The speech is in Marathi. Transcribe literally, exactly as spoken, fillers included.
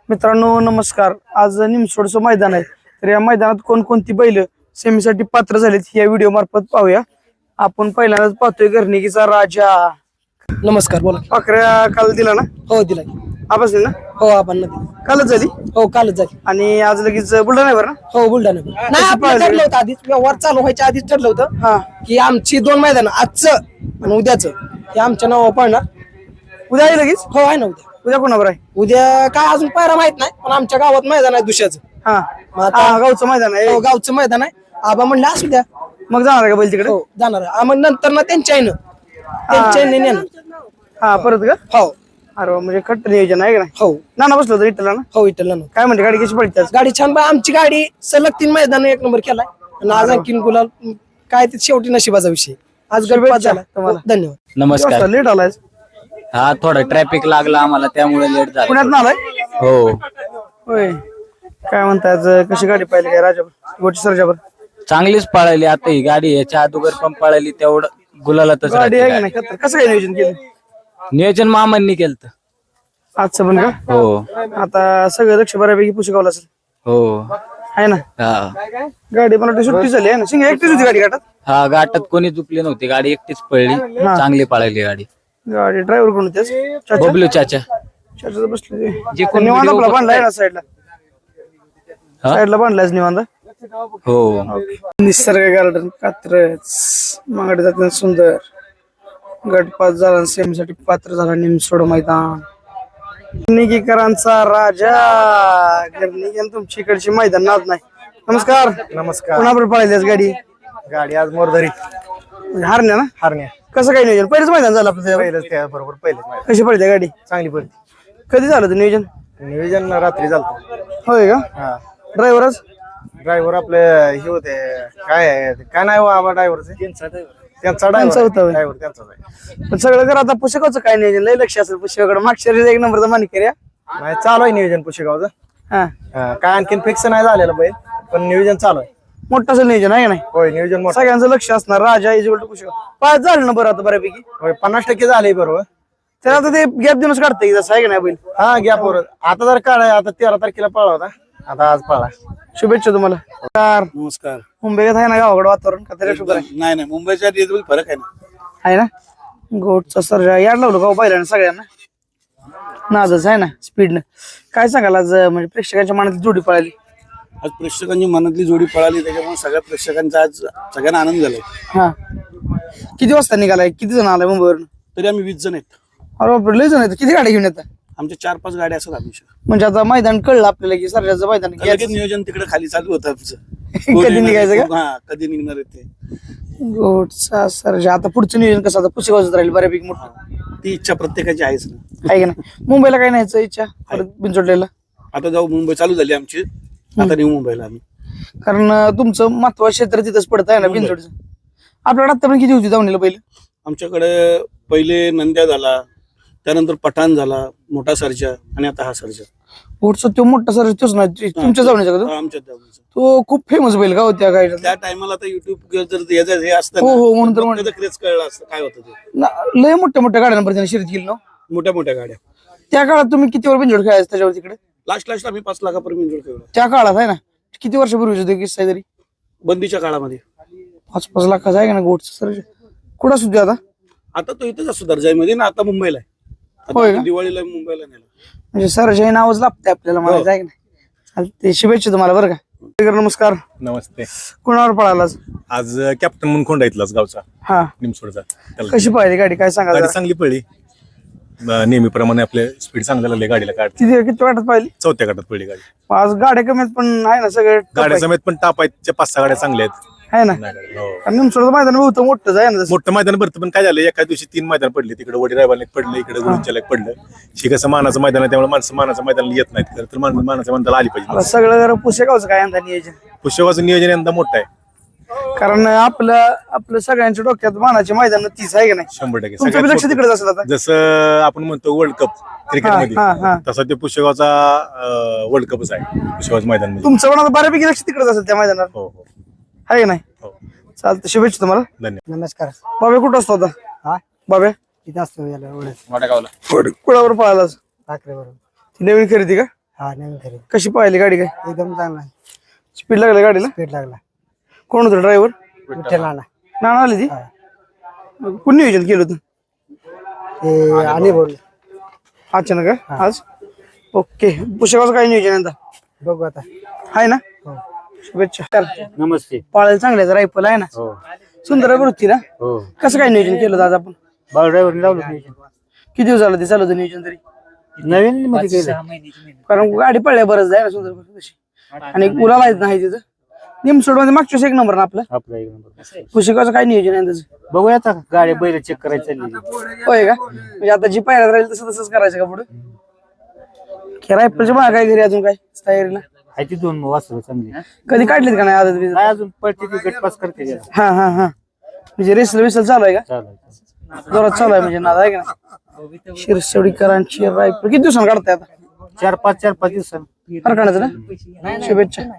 मित्रांनो नमस्कार. आज निमसोडचं मैदान आहे. तर या मैदानात कोणकोणती बैल सेमीसाठी पात्र झालीत या व्हिडिओ मार्फत पाहूया. आपण पहिल्यांदाच पाहतोय गर्णिकीचा राजा. नमस्कार बोला. पाखऱ्या काल दिला ना? हो दिलाय. आवाज ना? हो आपण नदी कालच झाली. हो कालच झाली. आणि आज लगेच बुलढाण्यावर ना? हो बुलढाणा. नाही आपलं ठरलं होतं आधीच, व्यवहार चालू व्हायच्या आधीच ठरलं होतं हा की आमची दोन मैदान आजचं आणि उद्याचं हे आमच्या नावावर पडणार. उद्या आहे लगेच. हो आहे ना उद्या. उद्या कोणावर आहे? उद्या काय अजून पायरा माहित नाही, पण आमच्या गावात मैदान आहे दुसऱ्याचं. हा मग आता- हा, गावचं मैदान आहे. हो गावचं मैदान आहे. आबा म्हणलं असू द्या. मग जाणार आहे का बैल तिकडे? हो जाणार आहे. मग नंतर ना त्यांच्या आईनं त्यांच्या आईने नेणार. हा परत का? हो अरे वा, म्हणजे खट्ट नियोजन आहे का नाही? हो नाना बसलो होतो इटला ना? हो विठ्ठल ना. काय म्हणते गाडी कशी पडते आज? गाडी छान बा. आमची गाडी सलग तीन मैदान एक नंबर केलाय आणि आज आणखीन गुलाल काय ते शेवटी नशिबाचा विषय. आज गणपत झाला तुम्हाला. धन्यवाद. नमस्कार. लेट आलाय. हा थोडा ट्रॅफिक लागला आम्हाला त्यामुळे लेट झाला. पुण्यात ना आलाय? हो होय. काय म्हणताय आज कशी गाडी पाहिली काय राजावर गोटी सरजावर? चांगलीच पळाली आता ही गाडी. याच्या अगोदर पण पळाली तेवढं गुलालातच गाडी राहते आहे का गाडी. नाही? खतर- कसं काय नियोजन केलं नियोजन मामांनी केलं. आजचं पण का? हो आता सगळं लक्ष बऱ्यापैकी पुशेगावला असेल हो आहे ना? हा गाडी पण वाटतं सुट्टी झाली आहे ना? सिंग एकटीच होती गाडी घाटात. हा गाठात कोणी चुकली नव्हती. गाडी एकटीच पळली. चांगली पळाली गाडी. गाडी ड्रायव्हर कोण होते? बबलू चाचा. बसले जे कोण निवांत video आपला बघताय. बांधलाय ना साईडला. हा? साईडला बांधलायच निवांत. हो निसर्ग गार्डन कात्रज मागडे जाताना सुंदर गटपात झाला. सेमीसाठी पात्र झाला निमसोड मैदान. गर्णिकीकरांचा राजा. गर्णिकी तुमची इकडची मैदान नाच नाही. नमस्कार. नमस्कार. कोणाबरोबर पळाली आज गाडी? गाडी आज मोरधरी हारण्या ना? हारण्या कसं काय नियोजन? पहिलेच मैदान झालं आपलं त्याच्यावर. पहिलंच त्या बरोबर पहिलेच कशी पडते गाडी? चांगली पडती. कधी झालं ते नियोजन? नियोजन रात्री झालं. होय का? हा ड्रायव्हरच ड्रायव्हर आपले हे होते काय आहे ते? काय नाही बाबा ड्रायव्हरचे त्यांचा त्यांचा ड्रायव्हर होता होय. ड्रायव्हर त्यांचाच आहे. पण सगळं कर आता पुस्तकाचं काय नियोजन? लय लक्ष असेल पुस्तकाकडे. मागच्या वेळेस एक नंबरचा मानिक या. नाही चालू आहे नियोजन पुशेगावचं. हा हा, काय आणखीन फिक्स नाही झालेलं बैल, पण नियोजन चालू आहे. मोठं असं नियोजन आहे का नाही? होय नियोजन मोठं. सगळ्यांचं लक्ष असणार. राजा इज टू पुस्तक पाच झालं ना बरं आता बऱ्यापैकी. होय पन्नास टक्के झाले बरोबर. तर आता ते गॅप देऊनच काढतंय जसं आहे का नाही बैल? हा घ्या पोर. आता जर काढाय आता तेरा तारखेला पळा होता, आता आज पळा. शुभेच्छा तुम्हाला. नमस्कार. नमस्कार. मुंबईत आहे ना गावाकडे वातावरण का तरी शुभ्र आहे? नाही नाही मुंबईच्या याच्यात फरक आहे ना. आहे ना? गोटचा सर्जा याड लावलं गाव पाहिलं सगळ्यांना. नाजच आहे ना स्पीडनं. काय सांगाल आज म्हणजे प्रेक्षकांच्या मनात जोडी पळाली? आज प्रेक्षकांची मनातली जोडी पळाली, त्याच्यामुळे सगळ्या प्रेक्षकांचा आज सगळ्यांना आनंद झालाय. हा किती वाजता निघालाय? किती जण आलाय मुंबईवरून? तरी आम्ही वीस जण आहेत. अरे बापरे, लय जण आहेत. किती गाड्या घेऊन येतात? आमच्या चार पाच गाड्या असतात आमच्या. म्हणजे आता मैदान कळलं आपल्याला की सर्जाचं मैदान आहे. लगेच नियोजन तिकडे खाली चालू होतं आमचं. कधी निघायचं का? हा कधी निघणार आहे ते. गोटचा सर्जा. आता पुढचं नियोजन कसं? आता पुसेगावच राहील बऱ्यापैकी मोठं ती इच्छा प्रत्येकाची आहेच ना. आहे का नाही? मुंबईला काय न्यायचं इच्छा परत बिनचोडलेला? आता जाऊ मुंबई चालू झाली आमची. आता नेऊ मुंबईला आम्ही. कारण अं, तुमचं महत्वाचं क्षेत्र तिथंच पडत आहे ना बिनचोडचं. आपल्याकडे आता पण किती होती धावणीला पहिलं? आमच्याकडे पहिले नंद्या झाला, त्यानंतर पठाण झाला, मोठा सर्जा आणि आता हा सर्जा. गोटचा तो मोठा सर्जा तोच ना तुमच्या धावणीचा का तो? हा, आमच्या धावणीचा. तो खूप फेमस बैल का होत्या काय? त्या टायमाला आता युट्यूब जर याचं हे असतं हो, हो, ना, म्हणून तर मग म्हणलं. त्याचं क्रेज कळलं असतं काय होतं ते. ना- लय मोठ्या मोठ्या गाड्यांवर त्याने शर्यत केली ना. मोठ्या मोठ्या गाड्या. त्या काळात तुम्ही किती वर बिनजोड खेळायचं त्याच्यावर तिकडे? लास्ट लास्ट आम्ही पाच लाखापर्यंत इंजोर खेळलो त्या काळात आहे ना. किती वर्षापूर्वीच होते किस्सा आहे तरी? बंदीच्या काळामध्ये. पाच पाच लाखाचा आहे का ना गोटचा सर्जा? कुठं सुद्धा आता आता तो इथंच असतो दर्जाईमध्ये ना. आता मुंबईला आहे. होय आता का? दिवाळीला मुंबईला नेला. म्हणजे सर्जा हे नावच लागतंय आपल्याला म्हणायचं आहे का नाही? चालते. शुभेच्छा तुम्हाला बरं का. नमस्कार. नमस्ते. कोणावर पळालाच आज कॅप्टन म्हणून खोंडा इथलाच गावचा हा? निमसोडचा. त्याला कशी पाहिली गाडी काय सांगा गाडी जरा? चांगली पडली. अं, नेहमीप्रमाणे आपले स्पीड चांगलं लागले गाडीला. काढ किती किती वाटत पाहिली? चौथ्या गटात पडली गाडी. आज गाड्या कमी आहेत पण आहे ना सगळे गाड्या समेत पण टापायच्या पाच सहा गाड्या चांगल्या आहेत. आहे ना. नाही, हो. आणि निमसोडचं मैदान होतं मोठंच आहे ना तसं. मोठं मैदान भरतं पण काय झालं एका दिवशी तीन मैदान पडले. तिकडे वडी रायबाला एक पडलं, इकडे गुरुंच्याला एक पडलं. हे कसं मानाचं मैदान आहे त्यामुळे माणसं मानाचं मैदान येत नाहीत. खरं तर माणसं मानाच्या मैदानाला आली आता पाहिजे. सगळं जरा पुसेगावचं काय यंदा नियोजन? पुष्यवाचं नियोजन यंदा मोठं आहे. कारण आपलं आपलं सगळ्यांच्या डोक्यात मानाचे मैदान तीच आहे का नाही? शंभर टक्के तुमचं बी लक्ष सगळ्यात तिकडेच असेल आता. मोठं. जसं आपण म्हणतो वर्ल्ड कप क्रिकेटमध्ये, हा, हा. तसा ते पुष्यगावचा वर्ल्ड कपच आहे पुष्यगावचं मैदान म्हणजे. तुमचं पण आता बऱ्यापैकी लक्ष तिकडेच असेल त्या मैदानात हो हो आहे का नाही? हो. चालतं. शुभेच्छा तुम्हाला. धन्यवाद. नमस्कार. बाबे कुठं असतो आता? हा बाबे इथं असतो याला एवढं मोठ्या गावला. कुणावर पळालाच? ठाकरे बरोबर. ती नवीन खरेदी का? हा नवीन खरेदी कशी पाहिली गाडी काय एकदम चांगला स्पीड लागली गाडीला स्पीड लागला कोण होतं ड्रायव्हर विठ्ठल नाना नाना आली ती कोण नियोजन केलं होतं ते आणि बोल अचानक का आज ओके पुस्तकाचं काय नियोजन आहे आता बघू आता आहे ना शुभेच्छा चल. नमस्ते पाळायला चांगले रायफल आहे ना हो सुंदर वृत्ती ना हो कसं काय नियोजन केलं होतं आज आपण बाळ ड्रायव्हर लावलं किती दिवस झालं ते चालू होतं नियोजन तरी नवीन मध्ये केलं कारण गाडी पडल्या बरंच आहे ना सुंदर तशी आणि गुलाल आहेत नाही तिथं निमसोड मध्ये मागच्या वर्षी एक नंबर ना आपला आपला एक नंबर पुस्तकाचं काय नियोजन आहे त्याचं बघूया आता गाडी बैल चेक करायची चालली होय का म्हणजे आता जी पायऱ्यात राहील तसं तसंच करायचं का पुढे रायफलच्या मागे काय घरी अजून काय तयारीला आहे ती दोन वासरं चांगली कधी काढलीत का नाही आदत बिदत? काय अजून पडते ती गटपास करते जरा. हा हा हा म्हणजे रेसल विसल चालू आहे का चालेल जोरात चालू आहे म्हणजे नाद आहे का नाही शिरसवडीकरांची रायफल किती दिवसांनी काढताय आता चार पाच चार पाच दिवसांनी हरकणाचं ना शुभेच्छा